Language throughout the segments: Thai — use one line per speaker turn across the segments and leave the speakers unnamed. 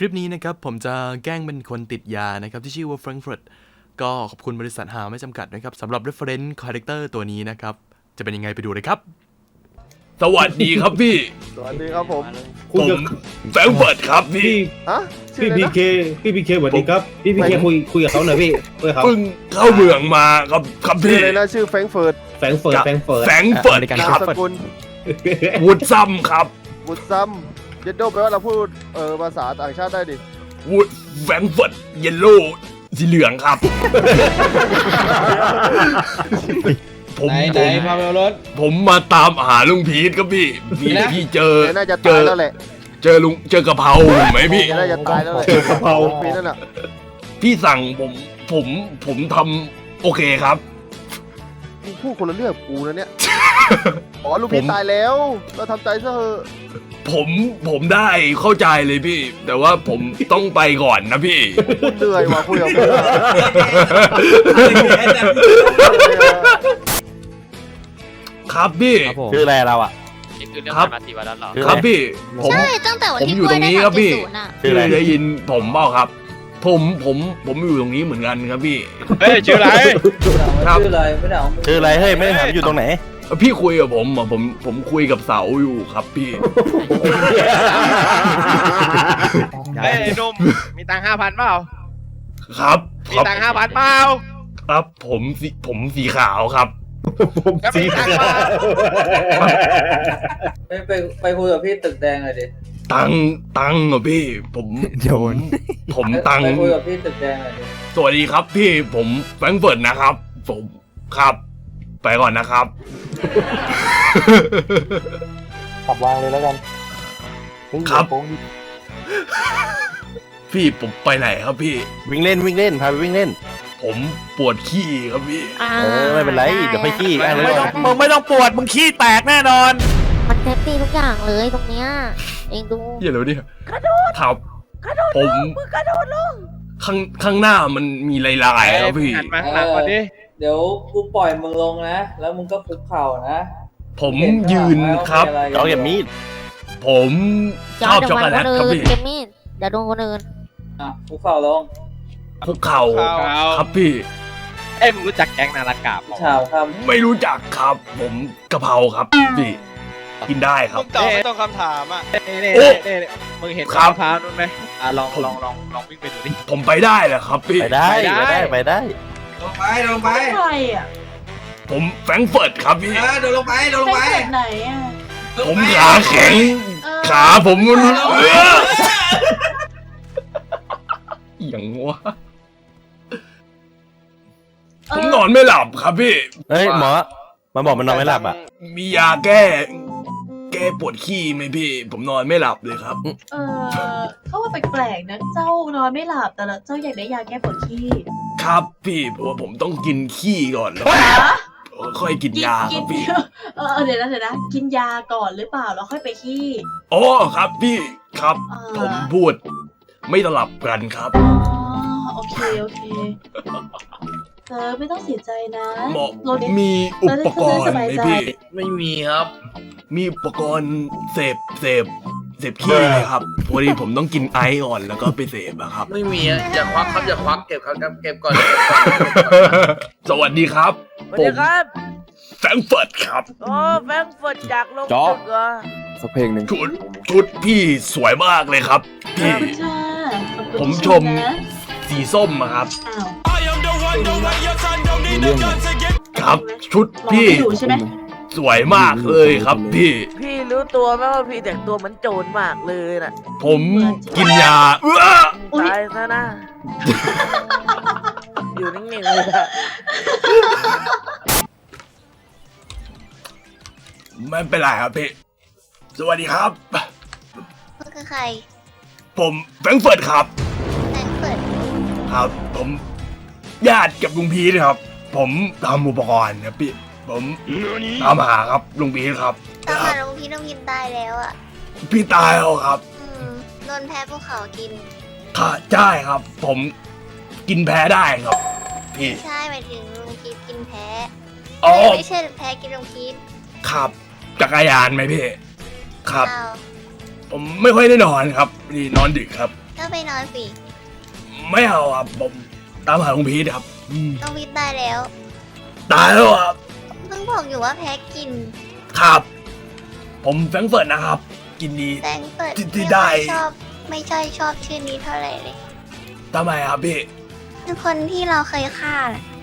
ลิปนี้นะครับผมจะแกล้งเป็นคนติดยานะครับที่ชื่อว่าแฟรงก์เฟิร์ตก็ขอบคุณบริษัทหาไม่จำกัดนะครับสำหรับ reference character ตัวนี้นะครับจะเป็นยังไงไปดูเลยครับสวัสดีครับพี่
สวัสดีครับผม
ผมแฟรงก์เฟิร์ตครับพี่
ฮะชื่
พี่
ออะไร
พี
นะ
เคพี่พีเคสวัสดีครับพี่พีเคคุยกับเขาหน่อยพี่คุยกับเขา
เพิ่งเข้าเมืองมาครับ
ชื่อ
พี่
อะไรนะชื่อแฟรงก์เฟิร์ต
แฟรงก์เฟิร์ต
แฟรงก์เฟิร์ต
นาม
ครับ
สกุล
วูดซัมครับ
บุตซัมเยนโดแปลว่าเราพูดภาษาต่างชาติได้ดิ
วูดแฟรงก์เฟิร์ตเยลโล่สีเหลืองครับผม
ไหนพาไปเอารถ
ผมมาตามหาลุงพีทครับพี่พี่เจอ
แกน่าจะตายแล้วแหละ
เจอกะเพราไหมพี่
แกน่าจะตายแล้วแหละ
เจอกะเพรา
ปีนั่นน่ะ
พี่สั่งผมทำโอเคครับ
มึงพูดคนละเรื่องกับกูนะเนี่ยอ๋อลูกพี่ตายแล้วเราทำใจซะเถอะ
ผมได้เข้าใจเลยพี่ แต่ว่าผมต้องไปก่อนนะพี่
กูเหนื่อยว่ะคุยกับมึงอะ
ครับพี่
ชื่ออะไรเราอ่ะ
นี่คือเรื่อง
ครับ
ผ่านมา4 วันแล้วเหรอ
ครับพี่ผม
ใช่ตั้งแต่วันที่
ผมอยู่
กล้วย
ตรงนี้
ได้
ครับพี่
3.0น่ะ
ชื่ออะไร
ได้ยินผมเปล่าครับ ผมอยู่ตรงนี้เหมือนกันครับพี่
เฮ้ยชื่ออะไร
ครับ
ชื่ออะไรไม่ได้เอา
ชื่ออะไรเฮ้ยไม่ได้ถามอยู่ตรงไหน
พี่คุยกับผมอ่ะผมคุยกับเสาอยู่ครับพี่
เฮ้ยไอ้หนุ่มมีตังค์5,000เปล่า
ครับ
มีตังค์5,000เปล่า
ครับผมสีขาวครับ
ผมสีขาว
ไปคุยกับพี่ตึกแดงเลยดิ
ตังเหรอพี่ผมตัง
ไปคุยกับพี่ตึกแดงเลยดิ
สวัสดีครับพี่ผมแฟรงก์เฟิร์ตนะครับ ผมครับ ไปก่อนนะครับ
ขับวางเลยแล้วกัน
ครับ พี่ผมไปไหนครับพี่
วิ่งเล่นพาไปวิ่งเล่น
ผมปวดขี้ครับพี่
ไม่เป็นไรเดี๋ยวไปขี้อ่ะ
ไม่ต้อง
มึงไม่ต้องปวดมึงขี้แตกแน่นอน
มันเซฟตี้ทุกอย่างเลยตรงเนี้ยเองดู
อย่าเลยดิครับผมข้างหน้ามันมีลายๆครับพี่
หันมาหนักกว่านี้
เดี๋ยวกูปล่อยมึงลงนะ แล้วมึงก็คุกเข่านะ
ผมยืนครับ
เราอย่ามีด
ผมชอบช็อกโกแลตครับพี่
เจมี่เดี๋ยวโดนคนอื่น
อ่ะคุกเข่าลง
คุกเข่าครับพี่
เอ้ยมึงรู้จักแก๊งนาฬกาบ
ชาวค
ไม่รู้จักครับ ผมกะเพราครับพี่กินได้ครับ
ตอบไม่ต้องคำถามอ่ะนี่
โอ้
มึงเห็น
ครับ
มะพร้าวนู้นไหมลองวิ่งไปดูดิ
ผมไปได้แหละครับพี่
ไปได้
ไปได้
ลงไป
ใครอ่ะ
ผมแฟรงก์เฟิร์ตครับพี่
เดินลงไป
ไปไหนอ่ะ
ผมขาแข็ง ขาผมมันอย่างวะผมนอนไม่หลับครับพี่
เฮ้ยหมอมาบอกมันนอนไม่หลับอ่ะ
มียาแก้ปวดขี้ไหมพี่ ผมนอนไม่หลับเลยครับ
เขาว่าแปลกๆนะเจ้านอนไม่หลับแต่ละเจ้าอยากได้ยาแก้ปวดขี้
ครับพี่เพราะว่าผมต้องกินขี้ก่อนแล้วค่อยกินยาครับพี่
เดี๋ยวนะกินยาก่อนหรือเปล่าแล้วค่อยไปขี้
อ๋อครับพี่ครับ ผมพูดไม่สลับกันครับ
อ๋อโอเคเธอไม่ต้องเสียใจนะ
หมอ
รถ
มีอุปกรณ์ไหมพี่
ไม่มีครับ
มีอุปกรณ์เสพขี้ไหมครับพอดีผมต้องกินไอซ์ก่อนแล้วก็ไปเสพอะครับ
ไม่มีอย่าควักครับอย่าควักเก็บครับเก็บก่อน
สวัสดีครับ
สวัสดีครับ
แฟรงก์เฟิร์ตครับ
โอ้แฟรงก์เฟิร์ตจากลงตึกเหรอ
สักเพลงหนึ่ง
ชุดพี่สวยมากเลยครับ
ข
พี่
อบคุณค่ะขอบคุณ
ผม
ที่
ชม
นะ
สีส้มอะครับ
อ้าว
ครับ ชุด
รอ
พี่
ไม่อยู่ใช่ไหม
สวยมากเลยครับพี่
พี่รู้ตัวไหมว่าพี่แต่งตัวเหมือนโจรมากเลยน่ะ
ผมกินยา
ตายซะนะ อยู่นิ่งๆเลยนะ
ไม่เป็นไรครับพี่ สวัสดีครับ
ก็คือใคร
ผมแฟรงก์เฟิร์ตครับ
แฟรงก์เฟิร์ต
ครับ ผมญาติกับลุงพีทครับ ผมทำอุปกรณ์ครับพี่ ผมตามหาครับลุงพีทครับ
ตามหาน้องพี่น้องพินตายแล้วอ่ะ
พี่ตายแล้วครับ
โดนแพ้ภูเขากิน
ค่ะใช่ครับ ผมกินแพ้ได้ครับ พี่
ใช่หมายถึงลุงพีทกินแพ้
อ๋อ
ไม่ใช่แพ้กินลุงพีท
ครับจักรยานไหมพี่ ครับ
เปล่า
ผมไม่ค่อยได้นอนครับนี่นอนดึกครับ
ทก็ไปนอนสิ
ไม่เอาครับผมตามหาลุงพีทครับ
น้องวิทย์ตายแล้ว
ตายแล้วครับ
เพิ่งบอกอยู่ว่าแพ้กิน
ครับ ผมแฟรงก์เฟิร์ตนะครับ กินดี
แตงเปิด
ที่ได้
ไม่ใช่ชอบชื่อนี้เท่าไหร่เลย
ทำไมครับพี่
เป็นคนที่เราเคยฆ่าน่ะ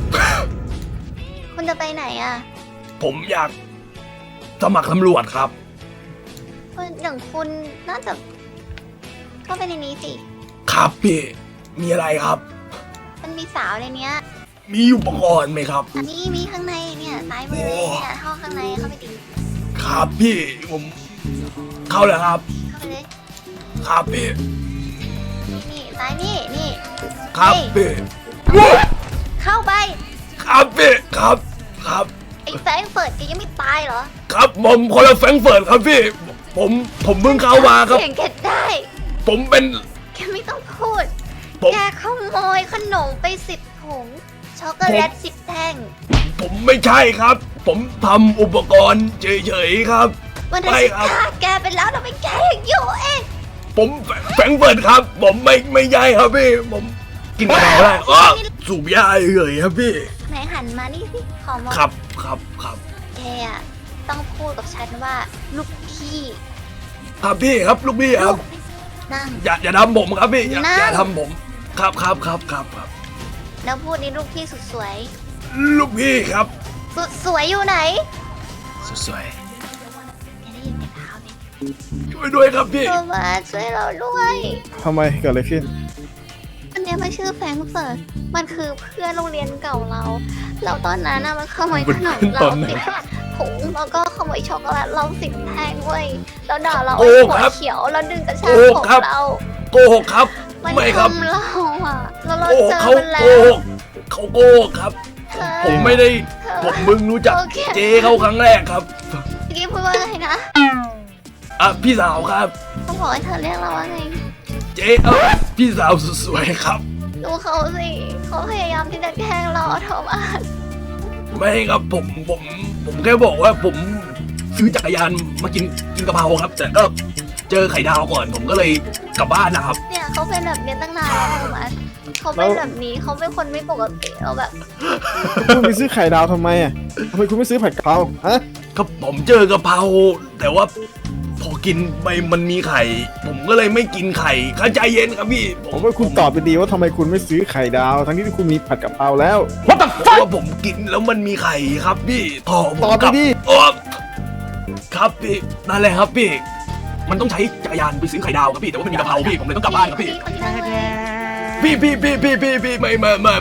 คุณจะไปไหนอ่ะ
ผมอยากสมัครตำรวจครับ
คนอย่างคุณน่าจะเข้าไปในนี้สิ
ครับพี่ มีอะไรครับ
มันมีสาวในเนี้ย
มีอุปกรณ์ไหมครับ
อันนี้มีข้างในเนี่ยซ้ายมือเลยเนี่ยห้องข้างในเข้าไปดิ
ครับพี่ผมเข้าแล้วครับ
เข้าไปเลย
ครับพี่
นี่ซ้ายนี่
ครับ
เฮ้ย
พี่
เข้าไป
ครับพี่ครับครับ
ไอ้แฟรงก์เฟิร์ตแกยังไม่ตายเหรอ
ครับผมคนละแฟรงก์เฟิร์ตครับพี่ ผมเพิ่งเข้ามาครับ
เก่งแกได้
ผมเป็น
แกไม่ต้องพูด
ผม
แกขโมยขนมไป10 ถุง ช็อกโกแลต10 แท่ง
ผมไม่ใช่ครับ ผมทำอุปกรณ์เฉยๆครับ
วันนั้น
ไม่
ฉัน
ครับ
ฆ่าแกไปแล้วทำไมแกยังอยู่เอง
ผมแฟรงก์เฟิร์ตครับ ผมไม่ใช่ครับพี่ ผมกินกระเป๋าได้อ้อสูบยาเฉยๆครับพี่
ไหนหันมานี่สิ ขอมอง
ครับ
แกอะต้องพูดกับฉันว่าลูกพี่
ครับพี่ครับลูกพี่ครับ
นั่ง
อย่าทำผมครับพี่อย่า
นั่ง
อย่าทำผมครับครับ
แล้วพูดนี่ลูกพี่สุดสวย
ลูกพี่ครับ
สุดสวยอยู่ไหน
สวย
แกได้ยินไหมเท้าเนี่ย
ๆช่วยด้วยครับพี่
โทมาช่วยเราด้วย
ทำไมเกิดอะไรขึ้น
อันเนี้ยมันชื่อแฟรงก์เฟิร์ตมันคือเพื่อนโรงเรียนเก่าเรา แล้วตอนนั้นน่ะมันขโมยขนมเรา10 ถุงแล้วก็ขโมยช็อกโกแลตเรา10 แท่งเว้ยแล้วด่าเรา
โอ้
ไอ้หัว
ครับ
เขียวแล้วดึงกระชาก
โอ้
ผม
ครับ
เรา
โกหกครับ
มัน
ไม่ครับ
ทำเราอ่ะแล้วเรา
โกหก
เจอ
เขา
มันแล้
โก
ว
หกเขาโกหกครับ
เธอ
ผมไม่ได้ผมมึงรู้จัก
โอเค
เจ๊เขาครั้งแรกครับ
เมื่อกี้พูดว่าไงนะ
อ่ะพี่สาวครับ
เขาบอกให้เธอเรียกเราว่าไง
เจ๊พี่สาวสวยๆครับ
ดูเขาสิเขาพยายามที่จะแกล้งเราโทมัส
ไม่ครับผมแค่บอกว่าผมซื้อจักรยานมากินกะเพราครับ แต่ก็เจอไข่ดาวก่อน ผมก็เลยกลับบ้านนะครับ
เนี่ยเขาเป็นแบบนี้ตั้งนานแล้วโทมัสเขาเป็นแบบนี้เขาเป็นคนไม่ปกติเราแบบ
คุณไปซื้อไข่ดาวทำไมอ่ะทำไมคุณไม่ซื้อผัดกะเพราฮะ
ครับผมเจอกะเพราแต่ว่าพอกินไปมันมีไข่ ผมก็เลยไม่กินไข่เข้าใจเย็นครับพี่
ผมว่าคุณตอบไปดีว่าทำไมคุณไม่ซื้อไข่ดาว ทั้งที่คุณมีผัดกะเพราแล้ว
What the fuck ว่าผมกินแล้วมันมีไข่ครับพี่ต่อผม
ตอบไป
กลับ
ดิ
โอ้ครับพี่นั่นแหละครับพี่ มันต้องใช้จักรยานไปซื้อไข่ดาวครับพี่แต่ว่ามันมีกะเพราพี่ผมเลยต้องกลับบ้านครับพี่
คนที่นั่งเลย
พี่ไม่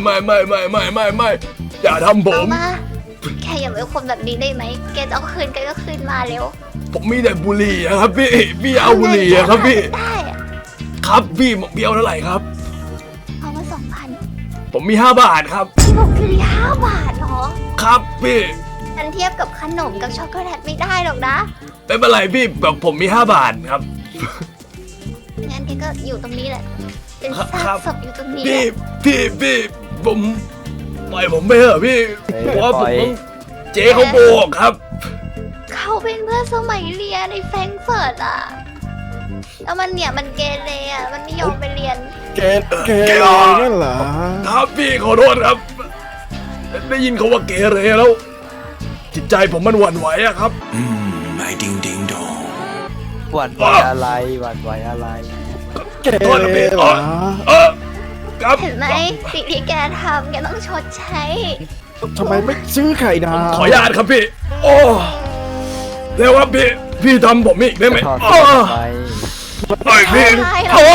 อย่าทำผ
เอา
ม
มาแกอย่าเป็นคนแบบนี้ได้ไหมแกจะเอาคืนแกก็คืนมาเร็ว
ผมมีแต่บุหรี่อะครับพี่เอาบุหรี่อะครับพี่
ได้อะ
ครับพี่เอาเท่าไหร่ครับ
เอามา2,000
ผมมี5 บาทครับ
พี่บอกคือ5 บาทเหรอ
ครับพี่
มันเทียบกับขนมกับช็อกโกแลตไม่ได้หรอกนะ
ไม่เป็นไรพี่แบบผมมี5 บาทครับ
งั้นแกก็อยู่ตรงนี้แหละ เป็น
ครั
ซา
บ
กศพอยู่ตรงนี้
พี่
แหละ
พี่ผมปล่อยผมไปเถอะพี่เพราะว่าผมต้องเจ๊เขาโบกครับ
เขาเป็นเพื่อนสมัยเรียนในแฟรงก์เฟิร์ตอ่ะ แล้วมันเนี่ยมันเกเรอ่ะ มันไม่ยอมไปเรียน
เกนั่นเหรอ
ครับพี่ขอโทษครับ ได้ยินเขาว่าเกเรแล้ว จิตใจผมมันหวั่นไหวอะครับ
หวั่นไหวอะไรหวั่นไหวอะไร
เก
โทษนะพี่
เหรอ
ครับ
เห็นไหมสิ่งที่แกทำแกต้องชดใช้
ทำไมไม่ซื้อไข่ดาว
ขออนุญาตครับพี่ โอ้เร็วครับพี่ทำผมอีกได้ไหม
ถอด
โอ้
เสื้อไป
โอ้ยพี่
ไม่ได้หรอก
โอ้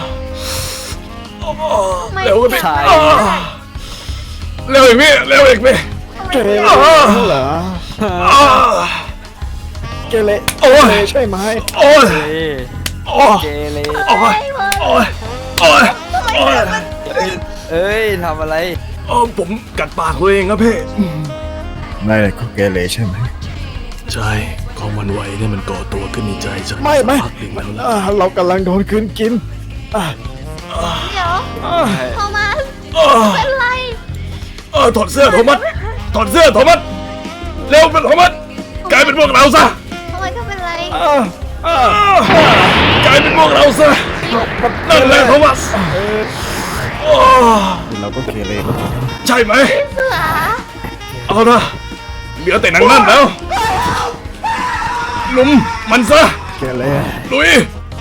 เร็วครับพี่
ใช่
โอ้เร็วอีกพี่เร็วอีกพี่
เกเรนั่นเหรอ
โอ้
เกเร
โอ้ย
ใช่ไหม
โอ้ย
เฮ้ย
โอ้ย
เกเร
โอ้ยโอ้ยโอ้ยโอ้ย
เอ้ยทำอะไร
โอ้ผมกัดปากตัวเองครับพี่
นายก็เกเรใช่ไหม
ใช่ความหวั่นไหวเนี่ยมันก่อตัวขึ้นในใจฉัน
ไม่
พักหนึ่งแล้วนะ
เรากำลังโดนคืนกิน
เดี๋ยวโทมัส
โอ้
เป็นไร
ถอดเสื้อโทมัสถอดเสื้อโทมัสเร็วเป็นโทมัสกลายเป็นพวกเราซะ
โทมัสก็เป็นไร
กลายายเป็นพวกเราซะนั่นแหละโทมัสโอ้
เราก็เกเรแล้ว
ใช่ไหม
เสือ
เอาละเหลือแต่นางนั่นแล้วลุมมันซะ
เกเร
ลุย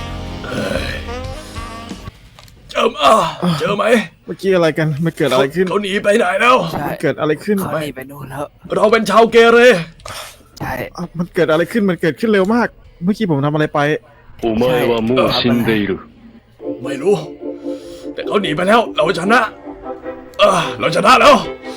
เจอไหม
เมื่อกี้อะไรกันมันเกิดอะไรขึ้น
เขาหนีไปไหนแล้ว
ใช่
เกิดอะไรขึ้น
เขาหนีไปนู่นแล้ว
เราเป็นชาวเกเร
ใช่
มันเกิดอะไรขึ้นมันเกิดขึ้นเร็วมาก เมื่อกี้ผมทำอะไรไป
お前はもう死んでいる
ไม่รู้ แต่เขาหนีไปแล้ว เราชนะเราชนะแล้ว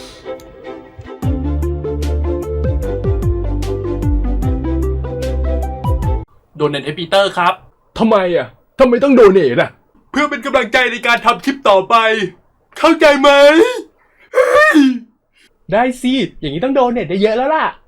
โดเนทให้ปีเตอร์ครับ
ทำไมทำไมต้องโดเนทเพื่อเป็นกำลังใจในการทำคลิปต่อไป เข้าใจไหม
ได้สิ อย่างนี้ต้องโดเนทได้เยอะแล้วล่ะ